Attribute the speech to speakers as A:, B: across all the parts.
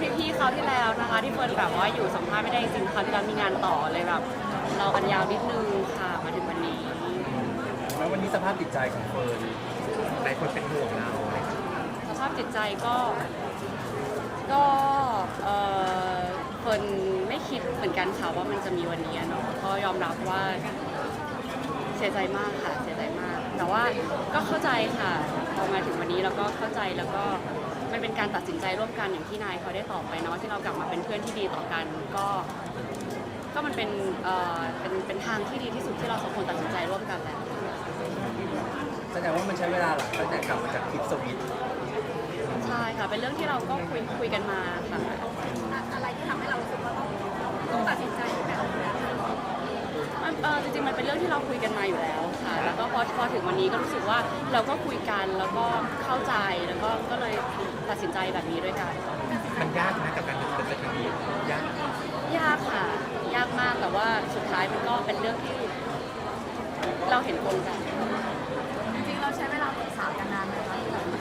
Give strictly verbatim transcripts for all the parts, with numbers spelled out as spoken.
A: พี่ๆเขาที่แล้วนะคะที่เฟิร์นแบบว่าอยู่สัมภาษณ์ไม่ได้จริงๆเขาที่แล้วมีงานต่อเลยแบบเรากันยาวนิดนึงค่ะมาถึงวันนี้
B: แล้ววันนี้สภาพจิตใจของเฟิร์นหลายคนเป็นห่วงเรา
A: สภาพจิตใจก็ก็เออเฟิร์นไม่คิดเหมือนกันค่ะว่ามันจะมีวันนี้เนาะก็ยอมรับว่าเสียใจมากค่ะเสียใจมาก แต่ว่าก็เข้าใจค่ะพอมาถึงวันนี้แล้วก็เข้าใจแล้วก็มันเป็นการตัดสินใจร่วมกันอย่างที่นายเขาได้ตอบไปเนาะที่เรากลับมาเป็นเพื่อนที่ดีต่อกันก็ก็มันเป็นเอ่อเป็นเป็นทางที่ดีที่สุดที่เราสองคนตัดสินใจร่วมกันแหละ
B: แสดงว่ามันใช้เวลาหลังตั้งแต่กลับมาจากทริปสวิต
A: ใช่ค่ะเป็นเรื่องที่เราก็คุยคุยกันมาค่ะ
C: อะไรที่ทำให้เรารู้สึกว่าต้องต้องตัดสินใจแบบนี้
A: มันเออจริงๆมันเป็นเรื่องที่เราคุยกันมาอยู่แล้วค่ะแล้วก็พอพอถึงวันนี้ก็รู้สึกว่าเราก็คุยกันแล้วก็เข้าใจแล้วก็ก็เลยตัดสินใจแบบนี้ด้วยกัน
B: มันยากนะกับการตัดสินใจครั้งนี้ยาก
A: ยากค่ะยากมากแต่ว่าสุดท้ายมันก็เป็นเรื่องที่เราเห็นตรงกัน
C: จริงๆเราใช้เวลาปรึกษากันนานไหมคะ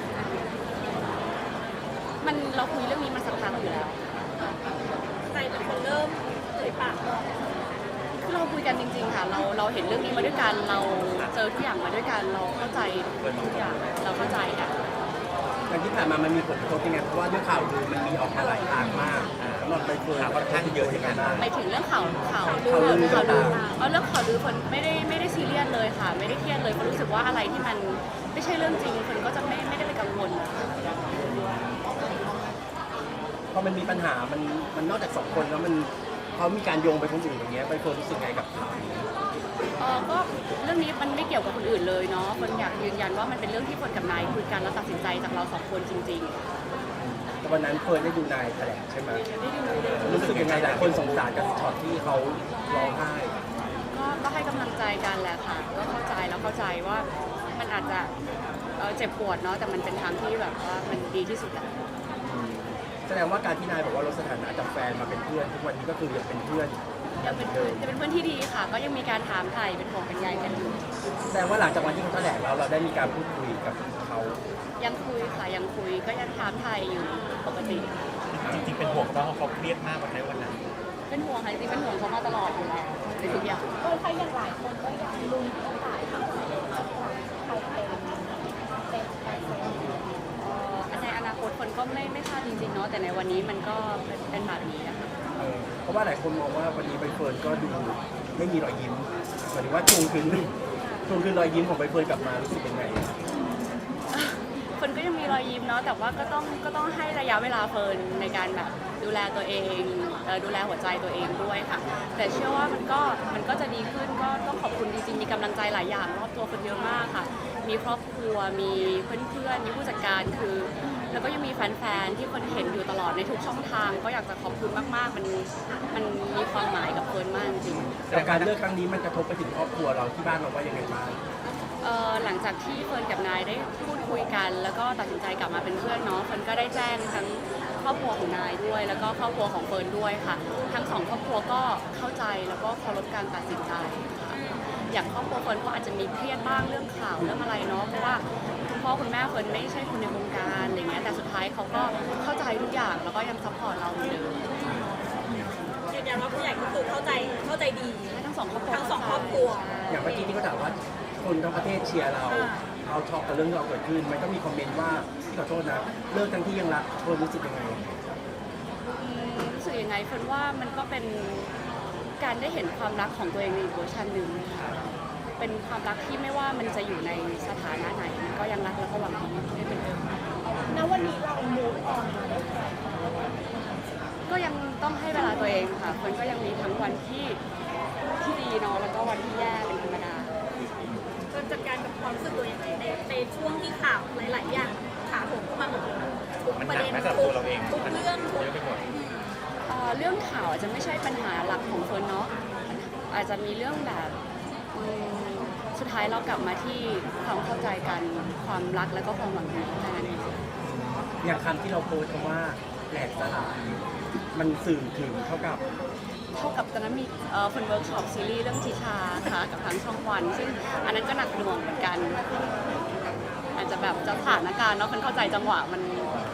A: มันเราคุยเรื่องนี้มาสักพักอยู่แล้ว
C: ใจเป็นคนเริ่มเอ่ยปากบอก
A: คือเราคุยกันจริงๆค่ะเราเราเห็นเรื่องนี้มาด้วยกันเราเจอทุกอย่างมาด้วยกันเราเข้าใจทุกอย่างเราเข้าใจกัน
B: การที่ผ่านมามันมีผลกระทบยังไงเพราะว่าเรื่องข่าวลือมันมีออกมาหลายทางมากสำหรับใบเฟิร์นค่อนข้างเยอะที่กันได้
A: ไปถึงเรื่องข่าวข่าวลือ
B: ข่าวลือ
A: ข่าวลือ
B: ต่างๆ
A: เอาเรื่องข่าวลือคนไม่ได้ไม่ได้ซีเรียสเลยค่ะ ไม่ได้เครียดเลยคนรู้สึกว่าอะไรที่มันไม่ใช่เรื่องจริงคนก็จะไม่ไม่ได้ไปกังวล
B: พอมันมีปัญหามันมันนอกจากสองคนแล้วมันเขามีการโยงไปคนอื่นอย่างเงี้ยใบเฟิร์นรู้สึกไงกับข่าวนี้
A: เออก็เรื่องนี้มันไม่เกี่ยวกับคนอื่นเลยเนาะคนอยากยืนยันว่ามันเป็นเรื่องที่คนกับนายคุยกันแล้วตัดสินใจจากเราสองคนจริง
B: แต่วันนั้นเฟิร์นได้ดูนายแถลงใช่ไหม
A: ๆได้ดูได้ดู
B: รู้สึกยังไงหลายคนสงสารกับช็อตที่เขาร้องไห้
A: ก็ก็ให้กำลังใจกันแหละค่ะ ก็เข้าใจแล้วเข้าใจว่ามันอาจจะเอ่อเจ็บปวดเนาะแต่มันเป็นทางที่แบบว่ามันดีที่สุดแหละ
B: แสดงว่าการที่นายบอกว่าลดสถานะจากแฟนมาเป็นเพื่อนทุกวันนี้ก็คือยังเป็นเพื่อน
A: ยังเป็นเพื่อนจะเป็นเพื่อนที่ดีค่ะ ก็ยังมีการถามไถ่เป็นห่วงเป็นใยกันอยู่
B: แสดงว่าหลังจากวันที่เขาแถลงแล้วเราได้มีการพูดคุยกับเขา
A: ยังคุยค่ะยังคุยก็ยังถามไถ่อยู่ปกติ
D: จริงๆ เป็นห่วงเพราะเขาเครียดมากวันในวันนั้น
A: เป็นห่วงค่ะจริงๆเป็นห่วงเขามาตลอดอยู่แล้วในทุกอย่าง
C: โดยใครอย่างหลายคนก็ยังลุ้นโอกาสค่ะใครเป็นเป็นใครเป็น
A: เอ่อในอนาคตคนก็ไม่ไม่ทราบจริงๆเนาะแต่ในวันนี้มันก็เป็นแบบนี้นะคะ
B: เออเพราะว่าหลายคนมองว่าวันนี้ใบเฟิร์นก็ดูไม่มีรอยยิ้มหมายถึงว่าทวงคืนทวงคืนรอยยิ้มของใบเฟิร์นกลับมารู้สึกยังไง
A: คนก็ยังมีรอยยิ้มเนาะแต่ว่าก็ต้องก็ต้องให้ระยะเวลาเฟิร์นในการแบบดูแลตัวเองเอ่อดูแลหัวใจตัวเองด้วยค่ะ แต่เชื่อว่ามันก็มันก็จะดีขึ้นก็ต้องขอบคุณจริงๆมีกำลังใจหลายอย่างรอบตัวคนเยอะมากค่ะ มีครอบครัวมีเพื่อนๆมีผู้จัดการคือ แล้วก็ยังมีแฟนๆที่คนเห็นอยู่ตลอดในทุกช่องทาง ก็อยากจะขอบคุณมากๆมันมันมีความหมายกับเฟิร์นมากจริง
B: แต่การเลือกครั้งนี้มันกระทบไปถึงครอบครัวเราที่บ้านเราว่ายังไงบ้าง
A: เอ่อหลังจากที่เฟิร์นกับนายได้พูดคุยกัน แล้วก็ตัดสินใจกลับมาเป็นเพื่อนเนาะเฟิร์นก็ได้แจ้งทั้งครอบครัวของนายด้วย แล้วก็ครอบครัวของเฟิร์นด้วยค่ะ ทั้งสองครอบครัวก็เข้าใจแล้วก็เคารพการตัดสินใจค่ะอย่างครอบครัวเฟิร์นก็อาจจะมีเครียดบ้างเรื่องข่าวเรื่องอะไรเนาะเพราะว่าคุณพ่อคุณแม่เฟิร์นไม่ใช่คนในวงการอะไรเงี้ยแต่สุดท้ายเขาก็เข้าใจทุกอย่างแล้วก็ยังซัพพอร์ตเราเหมือนเดิม
C: ยืนยันว่าผู้ใหญ่ก็คือเข้าใจเข้าใจดี
A: ให้ทั้งสองครอบครัว
C: ทั้งสองครอบครัว
B: อย่างเมื่อกี้ที่เขาถามว่าคนทั้งประเทศเชียร์เราเราช็อกกับเรื่องที่เราเกิดขึ้นมันก็มีคอมเมนต์ว่าที่ขอโทษนะเลิกทั้งที่ยังรักเฟิร์นรู้สึกยังไง
A: อืมรู้สึกยังไงเฟิร์นว่ามันก็เป็นการได้เห็นความรักของตัวเองในอีกเวอร์ชันหนึ่งค่ะเป็นความรักที่ไม่ว่ามันจะอยู่ในสถานะไหนมันก็ยังรักและก็หวังดีให้เป็นเดิม
C: ณวันนี้เรา move on มาได้ไหม
A: ก็ยังต้องให้เวลาตัวเองค่ะเฟิร์นก็ยังมีทั้งวันที่ที่ดีเนาะแล้วก็วันที่แย่เป็นธรรมดา
C: จนจัดการกับความรู้สึกตัวยังไงในในช่วงที่ข่าวหลาย ๆ อย่างถาโถมเข้ามาหมดเลยทุก
D: มัน
C: ประ
D: หนัก
C: เด็น
D: ไหมสำหรับ
C: ทุ
D: ตั
C: ก
D: วเราเอง
C: ทุกเรื่องทุก
D: เยอะไปหมด
A: เอ่อเรื่องข่าวอาจจะไม่ใช่ปัญหาหลักของเฟิร์นเนาะอาจจะมีเรื่องแบบอืมสุดท้ายเรากลับมาที่ความเข้าใจกันความรักแล้วก็ความหวังดีแค่นั้นเอง
B: อย่างคำที่เราโพสต์คำว่าแหลกสลายมันสื่อถึงเท่ากับ
A: เท่ากับตอนนั้นมีเอ่อคนเวิร์กช็อปซีรีส์เรื่องทิชาค่ะกับทางช่องวัน ซึ่งอันนั้นก็หนักหน่วงเหมือนกัน อาจจะแบบสถานการณ์เนาะคนเข้าใจจังหวะมัน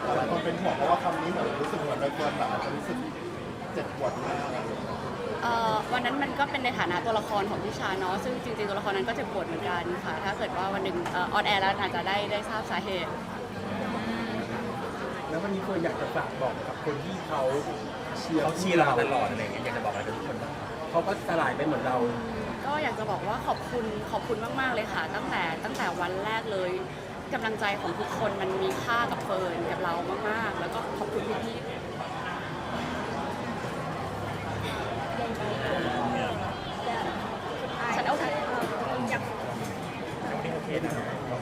E: หลายคนเป็นห่วงเพราะว่าคำนี้เหมือนรู้สึกเหมือนใบเฟิร์นแบบอาจจะรู้สึกเจ็บปวดมาก
A: เอ่อวันนั้นมันก็เป็นในฐานะตัวละครของพี่ชาเนาะซึ่งจริงๆตัวละครนั้นก็เจ็บปวดเหมือนกันค่ะถ้าเกิดว่าวันหนึ่งออนแอร์แล้วอาจจะได้ได้ทราบสาเหตุ
B: แล้ววันนี้เฟิร์นอยากจะฝากบอกกับคนที่เขาเชียร์
D: เขาเชียร์เรามาตลอดอะไรอย่างเงี้ยอยากจะบอกอะไรกับทุกคนบ้าง
B: เขาก็สลายไปเหมือนเรา
A: ก็อยากจะบอกว่าขอบคุณขอบคุณมากๆเลยค่ะ ตั้งแต่ตั้งแต่วันแรกเลยกำลังใจของทุกคนมันมีค่ากับเฟิร์นกับเรามากๆ แล้วก็ขอบคุณพี่ๆ ฉันเอาค่ะ
C: อยาก
D: โอเคนะ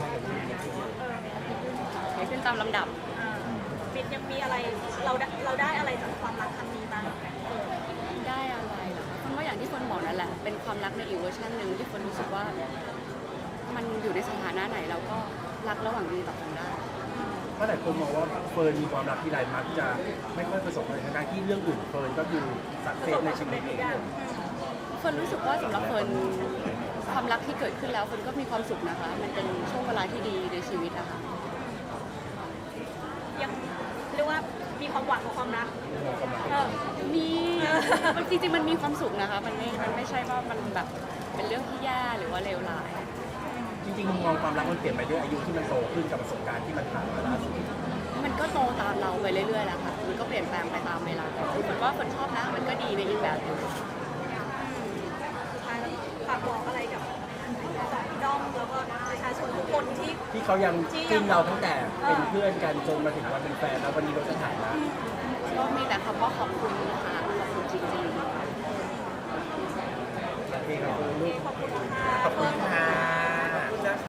A: ให้ขึ้นตามลำดับ
C: อ่ามินยังมีอะไรเราได้เราได้อะไรจากความรักครั้งนี้บ้างเออ
A: ได้อะไรเหรอคะคนว่าอย่างที่คนบอกนั่นแหละ เป็นความรักในอีกเวอร์ชันหนึ่งที่คนรู้สึกว่า มันอยู่ในสถานะไหนเราก็รักระหว่างดีต่อกันได้
B: เพราะหลายคนมองว่าเฟิร์นมีความรักที่ไรมักจะไม่ค่อยประสบความสำเร็จทั้งๆที่เรื่องอื่นเฟิร์นก็คือสัก
C: ประ
B: เซ
C: ส
B: ส
C: บ
B: ใน
C: ความ
B: ชี
C: สำ
B: วิ
C: เร็
B: ต
C: จทุกอย่าง
A: เฟิร์นรู้สึกว่าสำหรับเฟิร์นความรักที่เกิดขึ้นแล้วเฟิร์นก็มีความสุขนะคะ มันเป็นช่วงเวลาที่ดีในชีวิตนะคะ
C: ยังเรียกว่ามีความหวังกับความรักเออ
A: มีมันจริงๆมันมีความสุขนะคะ มันไม่ มันไม่ใช่ว่ามันแบบเป็นเรื่องที่แย่หรือว่าเลวร้าย
B: จริงๆมุมมองความรักมันเปลี่ยนไปด้วยอายุที่มันโตขึ้นกับประสบการณ์ที่มันผ่านมาล่าสุด
A: มันก็โตตามเราไปเรื่อยๆแหละค่ะ มันก็เปลี่ยนแปลงไปตามเวลาคนว่าคนชอบนะ มันก็ดีในอีกแบบหนึง
C: สุดท้ายแล้วฝากบอกอะไรกับสองพี่ด้อมแล้วก็ประชาชนทุกคนที่
B: ที่เขายังจิ้นเราตั้งแต่เป็นเพื่อนกันจนมาถึงวันเป็นแฟนแล้ววันนี้เราจะถ่ายมา
A: ก็มีแต่คำว่าขอบคุณนะคะ ขอบคุณจริงๆ
B: โอเคครับลูก
C: ขอบคุณค่ะ
D: ขอบคุณค่ะ